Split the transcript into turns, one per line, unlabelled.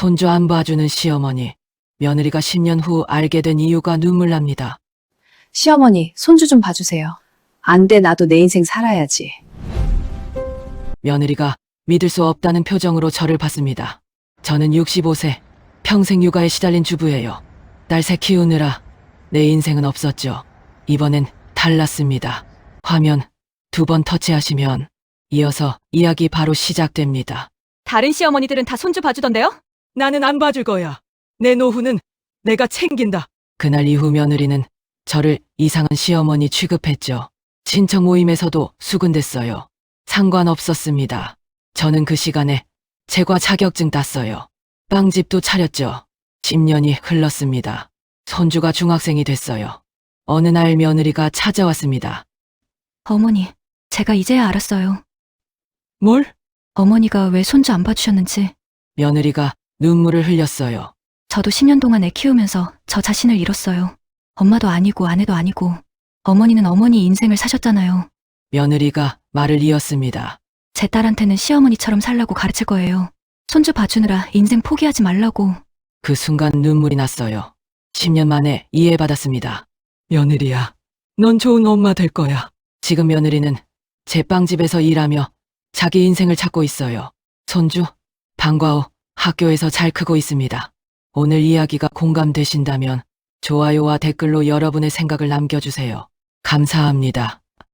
손주 안 봐주는 시어머니. 며느리가 10년 후 알게 된 이유가 눈물 납니다.
시어머니, 손주 좀 봐주세요. 안 돼, 나도 내 인생 살아야지.
며느리가 믿을 수 없다는 표정으로 저를 봤습니다. 저는 65세, 평생 육아에 시달린 주부예요. 딸 새 키우느라 내 인생은 없었죠. 이번엔 달랐습니다. 화면 2번 터치하시면 이어서 이야기 바로 시작됩니다.
다른 시어머니들은 다 손주 봐주던데요?
나는 안 봐줄 거야. 내 노후는 내가 챙긴다. 그날 이후 며느리는 저를 이상한 시어머니 취급했죠. 친척 모임에서도 수군댔어요. 상관없었습니다. 저는 그 시간에 제과 자격증 땄어요. 빵집도 차렸죠. 10년이 흘렀습니다. 손주가 중학생이 됐어요. 어느 날 며느리가 찾아왔습니다.
어머니, 제가 이제야 알았어요.
뭘?
어머니가 왜 손주 안 봐주셨는지.
며느리가 눈물을 흘렸어요.
저도 10년 동안 애 키우면서 저 자신을 잃었어요. 엄마도 아니고 아내도 아니고. 어머니는 어머니 인생을 사셨잖아요.
며느리가 말을 이었습니다.
제 딸한테는 시어머니처럼 살라고 가르칠 거예요. 손주 봐주느라 인생 포기하지 말라고.
그 순간 눈물이 났어요. 10년 만에 이해받았습니다. 며느리야, 넌 좋은 엄마 될 거야. 지금 며느리는 제 빵집에서 일하며 자기 인생을 찾고 있어요. 손주, 방과 후 학교에서 잘 크고 있습니다. 오늘 이야기가 공감되신다면 좋아요와 댓글로 여러분의 생각을 남겨주세요. 감사합니다.